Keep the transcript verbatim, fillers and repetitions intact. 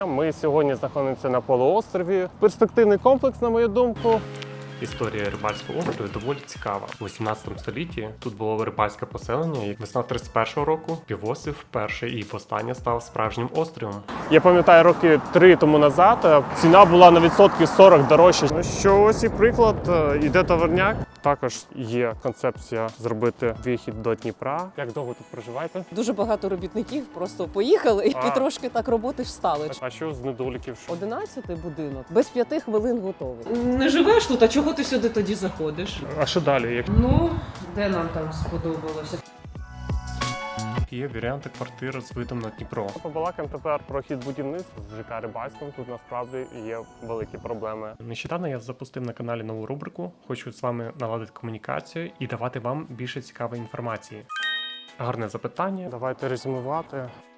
Ми сьогодні знаходимося на полуострові. Перспективний комплекс, на мою думку. Історія рибальського острову доволі цікава. У вісімнадцятому столітті тут було рибальське поселення, і весна тридцять першого року півострів вперше і востаннє став справжнім островом. Я пам'ятаю, роки три тому назад ціна була на відсотки сорок дорожча. Ну що, ось і приклад, іде товарняк. Також є концепція зробити вихід до Дніпра. Як довго тут проживаєте? Дуже багато робітників просто поїхали А. і трошки так роботи встали. А що з недоліків? Що? Одинадцятий будинок без п'яти хвилин готовий. Не живеш тут, а чого ти сюди тоді заходиш? А що далі? Як... Ну, де нам там сподобалося? Є варіанти квартир з видом на Дніпро. Побалакаємо тепер про хід будівництва в ЖК Рибальському. Тут насправді є великі проблеми. Нещодавно я запустив на каналі нову рубрику. Хочу з вами наладити комунікацію і давати вам більше цікавої інформації. Гарне запитання. Давайте резюмувати.